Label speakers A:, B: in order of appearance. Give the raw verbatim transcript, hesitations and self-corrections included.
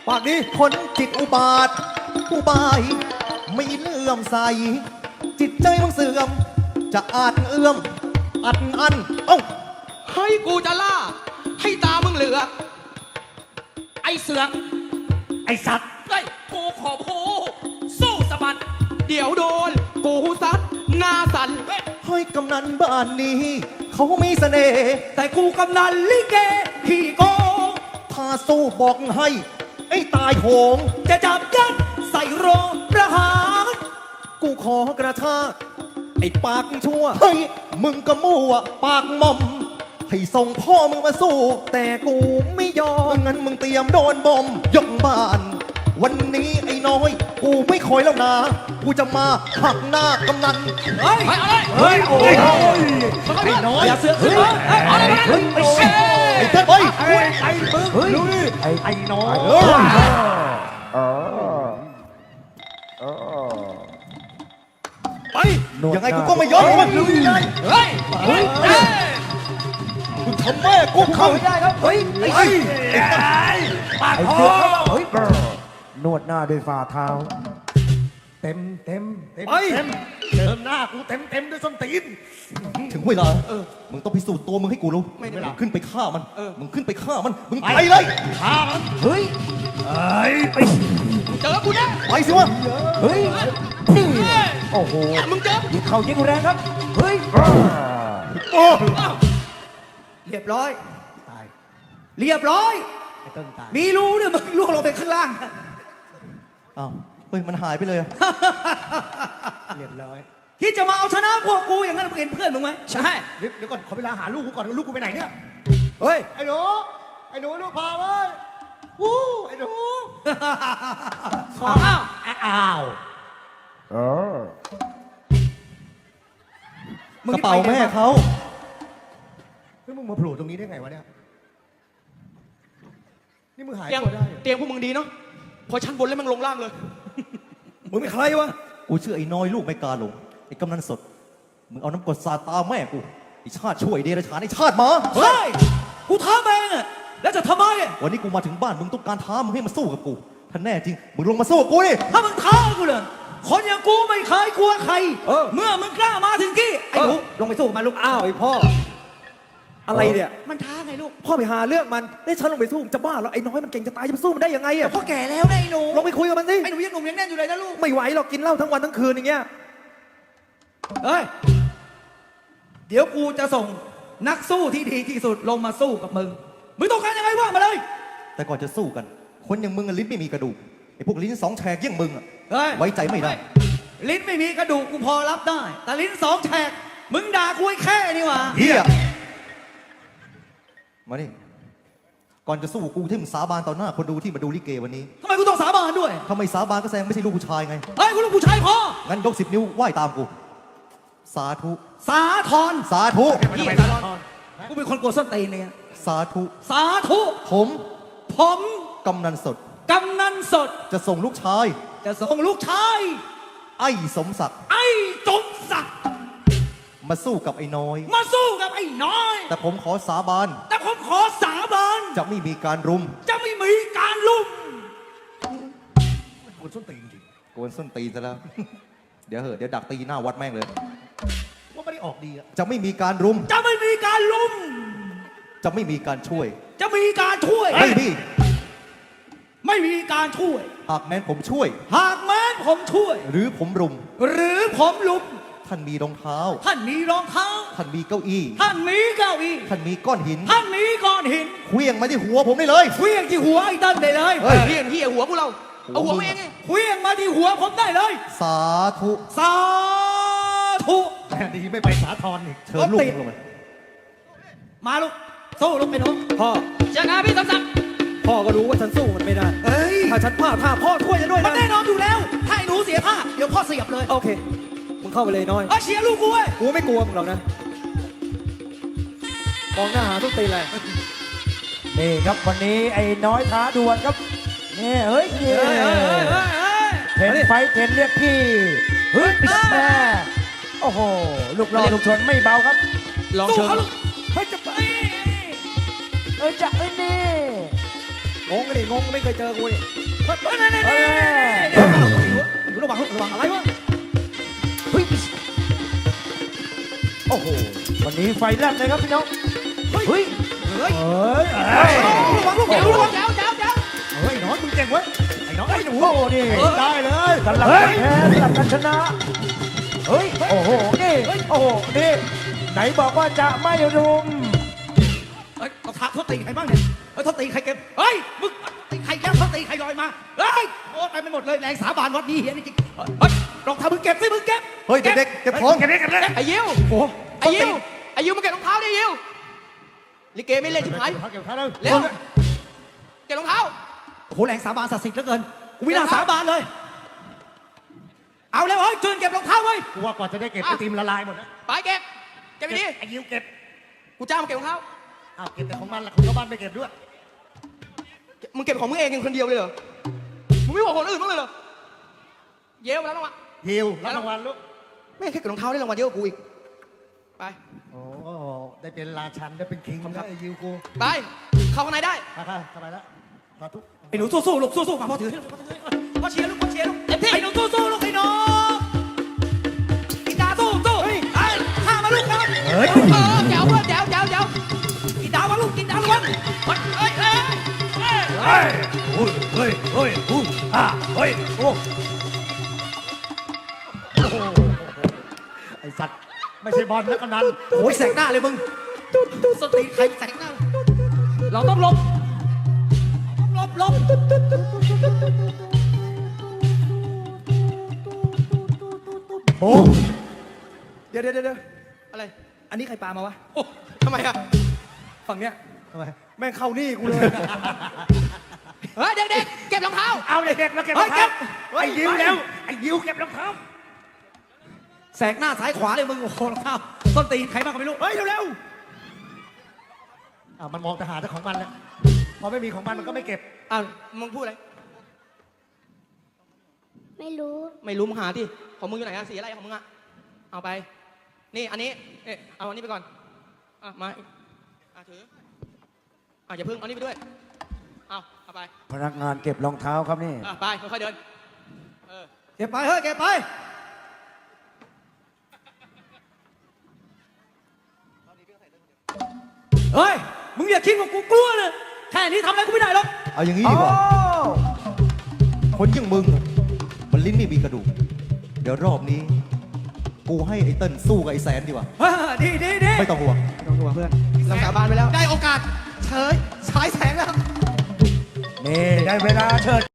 A: ปากนี้
B: คนจิตอุบาทอุบายไม่เลื่อมใสจิตใจมึงเสื่อมจะอาจเอื้อมอัดอันเอ้า
C: ให้กูจะล่าให้ตามึงเหลือกไอ้เสือกไอ้สัตว์ไอ้ยกูขอพูสู้สะบัดเดี๋ยวโดนกูซัดหน้าสั่นเฮ้ย
B: ให้กำนันบ้านนี้ เขามีเสน่ห์แต่กูกำนันลิเกขี้โกงถ้าสู้บอกให้ไอ้ตายโหงจะจับยัดใส่โรงประหารกูขอกระชากไอ้ปากชั่วเฮ้ยมึงก็มั่วปากมอมให้ส่งพ่อมึงมาสู้ แต่กูไม่ยอมงั้นมึงเตรียมโดนบอมยกบ้าน วันนี้ไอ้น้อยกูไม่คอยแล้วนะกูจะมาหักหน้ากำนันเฮ้ย
C: ไปเอาเลย
B: เฮ้ยโอ้ยไอ้น้อยอย่าเสือกขึ้นมาเฮ้ยเอาเลยเฮ้ยไอ้เฮ้ยไอ้เต้ยเฮ้ยไอ้มึงเฮ้ยไอ้ไอ้น้อยไปยังไงกูก็ไม่ยอมมึงเฮ้ยเฮ้ยเฮ้ยกูทำแม่กูเข้าไม่ได้ครับเฮ้ยไอ้ไอ้ปากคอเฮ้ยนวดหน้าด้วยฝ่าเท้าเต็มเต็มเต็มเต็มเจิมหน้ากูเต็มเต็มด้วยส้นตีนถึงเวลามึงต้องพิสูจน์ตัวมึงให้กูรู้ไม่ได้ขึ้นไปฆ่ามันมึงขึ้นไปฆ่ามันมึงไปเลยฆ่ามันเฮ้ยไอ้ไป
C: เจอกูแน่
B: ไปสิวะเฮ้ยนี่โอ้โห
C: มึงเจอ
B: ยิงเข่ายิงแรงครับเฮ้ยโอ้เรียบร้อยตายเรียบร้อยไอ้ต้นตายมีรูเนี่ยมึงล่วงลงไปข้างล่างอ้าวเฮ้ยมันหายไปเลยเรียบร้อยคิดจะมาเอาชนะพวกกูอย่างนั้นมึงเห็นเพื่อนมึงไหมใช่เดี๋ยวก่อนขอเวลาหาลูกกูก่อนลูกกูไปไหนเนี่ยเฮ้ยไอ้หนูไอ้หนูลูกพาเว้ยวู้ไอ้หนูขออ้าวอ้าวกระเป๋าแม่เขาเฮ้ยมึงมาโผล่ตรงนี้ได้ไงวะเนี่ยนี่มึงหาย
C: เตียง
B: ตัวได้
C: เตียงพวกมึงดีเนาะพอชั้นบนแล้วมึงลงล่างเลย
B: มึงเป็นใครวะกูชื่อไอ้น้อยลูกไม่กาหลงไอ้กำนันสดมึงเอาน้ำกรดสาดตาแม่กูไอ้ชาติช่วยเดรัจฉานไอ้ชาติหมาเฮ้ยกูท้าแม่งอะแล้วจะทำไมวันนี้กูมาถึงบ้านมึงต้องการท้ามึงให้มาสู้กับกูถ้าแน่จริงมึงลงมาสู้กับกูดิถ้ามึงท้ากูเลยคนอย่างกูไม่เคยกลัวใครเมื่อมึงกล้ามาถึงกี้ไอ้หนูลงไปสู้กับมันลูกอ้าวไอ้พ่ออะไรเนี่ยมันท้าไงลูกพ่อไปหาเรื่องมันได้ฉันลงไปสู้จะบ้าแล้วไอ้น้อยมันเก่งจะตายจะไปสู้มันได้ยังไงอะพ่อแก่แล้วไอ้หนูลงไปคุยกับมันสิไอ้หนูยังหนุ่มยังแน่นอยู่เลยนะลูกไม่ไหวหรอกกินเหล้าทั้งวันทั้งคืนอย่างเงี้ยเฮ้ยเดี๋ยวกูจะส่งนักสู้ที่ดีที่สุดลงมาสู้กับมึงมึงต้องการยังไงว่ามาเลยแต่ก่อนจะสู้กันคนอย่างมึงลิ้นไม่มีกระดูกไอ้พวกลิ้นสองแฉกอย่างมึงอะไว้ใจไม่ได้ลิ้นไม่มีกระดูกกูพอรับได้แต่ลิ้นสองแฉกมึงด่ากูแค่นี่หว่าเฮียมาดิก่อนจะสู้กูที่มึงสาบานต่อหน้าคนดูที่มาดูลิเกวันนี้ทำไมกูต้องสาบานด้วยทำไมสาบานก็แสดงไม่ใช่ลูกผู้ชายไงเฮ้ยกูลูกผู้ชายพองั้นยกสิบนิ้วไหว้ตามกูสาธุสาธรสาธุพี่สาธรกูเป็นคนกลัวส้นตีนเนี่ยสาธุสาธุผมผมกำนันสดกำนันสดจะส่งลูกชายจะส่งลูกชายไอ้สมศักดิ์ไอ้สมศักดิ์มาสู้กับไอ้น้อยมาสู้กับไอ้น้อยแต่ผมขอสาบานแต่ผมขอสาบานจะไม่มีการรุมจะไม่มีการรุมกวนส้นตีนจริงกวนส้นตีนซะแล้ว เดี๋ยวเหอะเดี๋ยวดักตีหน้าวัดแม่งเลยว่าไม่ได้ออกดีอะจะไม่มีการรุมจะไม่มีการรุมจะไม่มีการช่วยจะมีการช่วยไม่มีไม่มีการช่วยหากแม้นผมช่วยหากแม้นผมช่วยหรือผมรุมหรือผมรุมท่านมีรองเท้าท่านมีรองเท้าท่านมีเก้าอี้ท่านมีเก้าอี้ท่านมีก้อนหินท่านมีก้อนหินเคลื่องมาที่หัวผมได้เลยเคลื่องที่หัวไอ้ตั้นได้เลยเฮ้ยเคลื่องที่หัวพวกเราเอาหัวเองไงเคลื่องมาที่หัวผมได้เลยสาธุสาธุดีไม่ไปสาธรอีกเชิญลูกลงมามาลูกสู้ลูกไปหนูพ่อเจ้านาพี่สมศักดิ์พ่อก็รู้ว่าฉันสู้มันไม่ได้ถ้าฉันพลาดท่าพ่อช่วยฉันด้วยนะมันแน่นอนอยู่แล้วถ้าไอ้หนูเสียท่าเดี๋ยวพ่อเสียบเลยโอเคมึงเข้าไปเลยน้อยเชียร์ลูกกูเว้ยกูไม่กลัวมึงหรอกนะมองหน้าหาทุกตีเลยนี่ครับวันนี้ไอ้น้อยท้าดวลครับนี่เฮ้ยเทนไฟเทนเรียกพี่เฮ้ยแม่โอ้โหลูกรอลูกชนไม่เบาครับลองเชิญเฮ้ยจะไปเฮ้ยจะเอ้ยนี่
A: งงกันดิงงไม่เคยเจอกูดิ
B: เฮ้ยเดี๋ยวอยู่ระวังระวังอะไรวะเฮ้ย
A: โอ้โหวันนี้ไฟแลบเลยครับพี่น้อง
B: เฮ้ยเฮ้ย
A: เฮ้ย
B: ระวังลูกเดี๋ยวระวัง
C: เดี๋ยวเดี๋ยวเดี๋ยว
A: เฮ้ยน้องมึงเก่งเว้ยไอ้น้องไอ้หนูโอ้นี่ได้เลยสลับกันแพ้สลับกันชนะเฮ้ยโอ้โหนี่โอ้โหนี่ไหนบอกว่าจะไม่รุม
B: เฮ้ยเอาท้าเขาตีใครบ้างเนี่ยเฮ้ยเขาตีใครเก็บเฮ้ยมึงตีใครแล้วเขาตีใครลอยมาเฮ้ยโอ้ไปไม่หมดเลยแรงสาบานวัดนี้เฮียนี่จริงเฮ้ยรองเท้ามึงเก็บสิมึงเก็บเฮ้ยเด็กๆเก็บของเก็บเด็กเก็บเด็ก
C: ไอ้ยิว
B: โอ้
C: ไอ้ยิวไอ้ยิวมาเก็บรองเท้าดิยิวลิเกไม่เล่นชิบหาย
A: เก็บข้าวเลย
C: เร็วเก็บรองเท้า
B: โหแรงสาบานศักดิ์สิทธิ์เหลือเกินกูไม่น่าสาบานเลย เอาแล้วเฮ้ยจืนเก็บรองเท้าไว้
A: กูว่ากว่าจะได้เก็บไอติมละลายหมดนะ
C: ไปเก็บเก็บไปดิ
A: ไอ้ยิวเก็บ
C: กูจ้างมาเก็บรองเท้า
A: อ้าวเก็บแต่ของมันละคนเข้าบ้านไม่เก็บด้วย
C: มึงเก็บของมึงเองคนเดียวเลยเหรอมึงไม่บอกคนอื่นบ้างเลยเหรอเย้มาแล้วรางวัล
A: ยิวรับรางวัลลูก
C: ไม่แค่เก็บรองเท้าได้รางวัลเยอะกว่ากูอีกไป
A: โอ้ได้เป็นราชันได้เป็นคิงนะไอ้ยิวกู
C: ไปเข้าข้างในได้
A: มาค่ะสบายแล้วสาธุ
B: ไอ้หนูสู้ๆลูกสู้ๆมาพ่อถือพ่อเชียร์ลูกพ่อเชียร์ลูกเต็มที่ไอ้หนูสู้ๆลูกไอ้หนูอีดาสู้สู้ไอ้ข้ามาลูกนะ
A: เฮ้ย
C: เออแจ๋วเพื่อนแจ๋วแจ๋วแจ๋ว
B: อีดามาลูกอีดาล้วน
C: เฮ้ยเฮ้ยเฮ้ย
A: เฮ้ยเฮ้ยเฮ้ยเฮ้ยอู้อ่าเฮ้ยโอ้ไอสัตว์ไม่ใช่บอลนะกำนัน
B: โอ้ยแสกหน้าเลยมึงสติใครแสกหน้าเราต้องหลบหลบหลบ
A: โอ้
B: เดี๋ยวเดี๋ยวเดี๋ยว
C: อะไร
B: อันนี้ใครปามาวะ
C: โอ้ทำไมอะ
B: ฝั่งเนี้ย
A: ทำไม
B: แม่งเข้านี่กูเลย
C: เฮ้ยเด็กๆเก็บรองเท้า
A: เอาเลยเก็บแล้วเก็บรองเท้าไอ้ยิวแล้วไอ้ยิวเก็บรองเท้า
B: แสกหน้าซ้ายขวาเลยมึงโอ้โหรองเท้าต้นตีนใครบ้างก็ไม่รู้เฮ้ยเร็ว
A: อ่ามันมองแต่หาแต่ของมันแหละพอไม่มีของมันมันก็ไม่เก็บ
C: อ่ะมึงพูดอะไร
D: ไม่รู้
C: ไม่รู้มึงหาที่ของมึงอยู่ไหนอะสีอะไรของมึงอะเอาไป นี่อันนี้เอ๊ะเอาอันนี้ไปก่อนอ่ะมาอ่ะถืออ่ะอย่าเพิ่งเอานี่ไปด้วยเอาเอาไป
A: พนักงานเก็บรองเท้าครับนี่
C: อ่ะไปค่อยๆเดินเออ
B: ๆเก็บไปเฮ้ยเก็บไปเฮ้ยมึงอย่าคิดว่ากูกลัวเลยแค่นี้ทำอะไรกูไม่ได้หรอกเอาอย่างนี้ดีกว่าคนอย่างมึงอะมันลิ้นไม่มีกระดูกเดี๋ยวรอบนี้ กูให้ไอ้เติ้ลสู้กับไอ้แสนดีกว่าดีดีดีไม่ต้องห่วง
C: ต้องดูเพื่อนเราสาบานไปแล้ว
B: ได้โอกาสเฉยฉายแสงแล้ว
A: นี่ได้เวลาเชิด